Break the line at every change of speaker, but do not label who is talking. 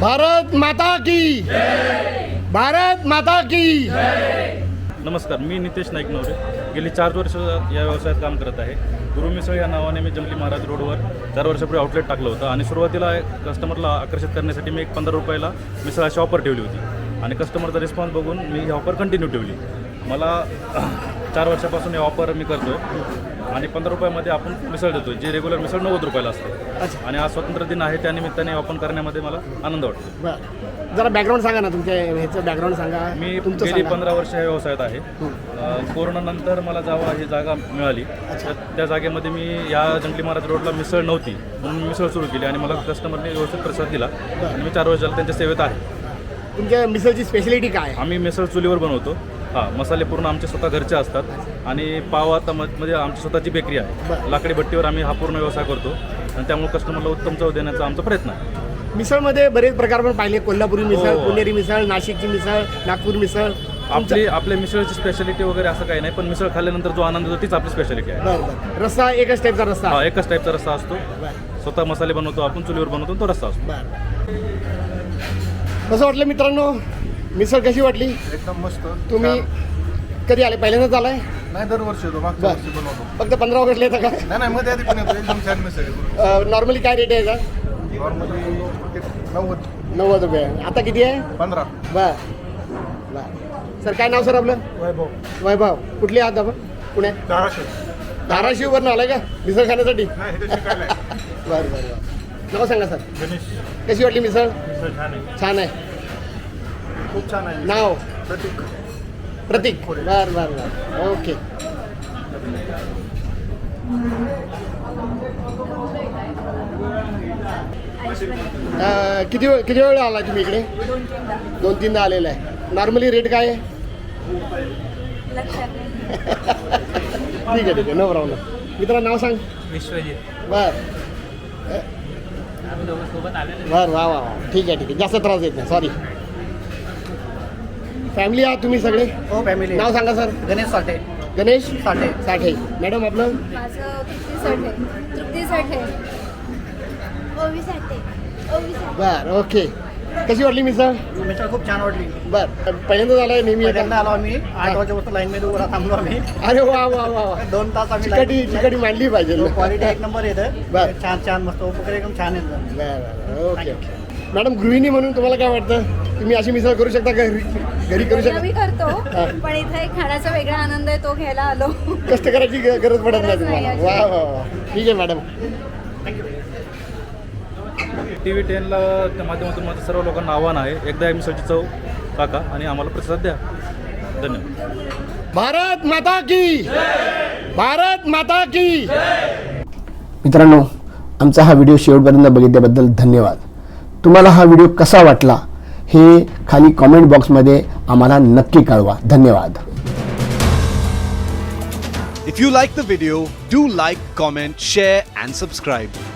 भारत माता की भारत माता की
नमस्कार, मी नितेश नाईक नवरे. गेली 4 वर्ष या व्यवसायात काम करत आहे. गुरु मिसळ या नावाने मी जंगली महाराज रोडवर 4 वर्षापूर्वी आउटलेट टाकलं होतं आणि सुरुवातीला कस्टमरला आकर्षित करण्यासाठी मी एक 15 रुपयाला मिसळाची ऑफर ठेवली होती आणि कस्टमरचा रिस्पॉन्स बघून मी ही ऑफर कंटिन्यू ठेवली. मला 4 वर्षापासून ही ऑफर मी करतो आहे आणि 15 रुपयामध्ये आपण मिसळ देतो, जी रेग्युलर मिसळ 90 रुपयाला असते. आणि आज स्वातंत्र्य दिन आहे, त्यानिमित्ताने ऑफर करण्यामध्ये मला आनंद वाटतो.
बरं, जरा बॅकग्राऊंड सांगा ना, तुमच्या ह्याचं बॅकग्राऊंड सांगा.
मी गेली 15 वर्ष या व्यवसायात आहे. कोरोनानंतर मला जेव्हा ही जागा मिळाली त्या जागेमध्ये मी या जंगली महाराज रोडला मिसळ नव्हती म्हणून मी मिसळ सुरू केली आणि मला कस्टमरने व्यवस्थित प्रतिसाद दिला आणि मी 4 वर्षाला त्यांच्या सेवेत आहे.
तुमच्या मिसळची स्पेशलिटी काय आहे?
आम्ही मिसळ चुलीवर बनवतो. मसाले पूर्ण आमचे स्वतः घरचे असतात आणि पाव आता म्हणजे आमची स्वतःची बेकरी आहे. लाकडी भट्टीवर आम्ही हा पूर्ण व्यवसाय करतो आणि त्यामुळे कस्टमरला उत्तम चव देण्याचा आमचा प्रयत्न आहे.
मिसळमध्ये बरेच प्रकार पण पाहिले, कोल्हापुरी मिसळ, पुणेरी मिसळ, नाशिकची मिसळ, नागपूर मिसळ.
आपल्या मिसळची स्पेशालिटी वगैरे असं काही नाही, पण मिसळ खाल्ल्यानंतर जो आनंद होतो तीच आपली स्पेशालिटी आहे.
बरं, रस्सा एकच टाईपचा रस्सा?
हा, एकच टाईपचा रस्सा असतो. स्वतः मसाले बनवतो आपण, चुलीवर बनवतो, तो रस्सा असतो.
कसं वाटलं मित्रांनो, मिसळ कशी वाटली?
एकदम मस्त.
तुम्ही कधी आले? पहिल्यांदाच आलाय?
नाही, दरवर्षी येतो. मागच्या वर्षी बनवतो.
फक्त 15 ऑगस्टला येतं का?
नाही, मध्ये आधी पण येतो. एकदम छान मिसळ.
नॉर्मली काय रेट आहे का?
नॉर्मली
90 रुपये. आता किती आहे?
15.
बर. सर, काय नाव सर आपलं? वैभव. कुठली आहात आपण? पुण्यात? धाराशिववरून आलाय का मिसळ खाण्यासाठी? बरं. नाव सांगा सर.
गणेश.
कशी वाटली मिसळ?
छान आहे.
छान आहे.
खूप छान आहे.
नाव?
प्रतीक.
बरं. ओके. किती वेळ आला तुम्ही इकडे? 2-3दा आलेला आहे. नॉर्मली रेट काय आहे? ठीक आहे, नो प्रॉब्लेम. मित्रांनो नाव सांग.
विश्वजित.
बरं. वा. ठीक आहे. जास्त त्रास देत नाही, सॉरी. फॅमिली आहात तुम्ही सगळे?
हो, फॅमिली.
नाव सांगा सर.
गणेश साठे.
गणेश
साठे.
मॅडम आपलं?
माझं तृप्ती साठे. ओवी साठे.
बरं, ओके. कशी वाटली मिसळ?
मिसळ खूप छान वाटली.
बरं, पहिल्यांदाच आलाय? नेहमी
पहिल्यांदा आलो आम्ही. 8 वाजेपासून लाईनमध्ये उभा थांबलो आम्ही.
अरे वा.
2 तास आम्ही
चिकटी मांडली पाहिजे.
क्वालिटी एक नंबर येतं.
बरं.
छान मस्त वगैरे एकदम छान येतं.
बरं, ओके. मॅडम, गृहिणी म्हणून तुम्हाला काय वाटतं? तुम्ही अशी मिसळ करू शकता घरी करू शकता?
मी करतो, पण इथे एक खाण्याचा वेगळा आनंद आहे, तो घ्यायला आलो.
कष्ट करायची गरज पडत नाही
गरज
तुम्हाला.
नाही.
वा. ठीक आहे मॅडम.
TV 10ला त्या माध्यमातून माझं सर्व लोकांना आव्हान आहे, एकदा या मिसळची चव टाका आणि आम्हाला प्रतिसाद द्या. धन्यवाद.
भारत माता की. मित्रांनो, आमचा हा व्हिडिओ शेवटपर्यंत बघितल्याबद्दल धन्यवाद. तुम्हाला हा व्हिडिओ कसा वाटला हे खाली कॉमेंट बॉक्समध्ये आम्हाला नक्की कळवा. धन्यवाद.
If you like the video, do like, comment, share and subscribe.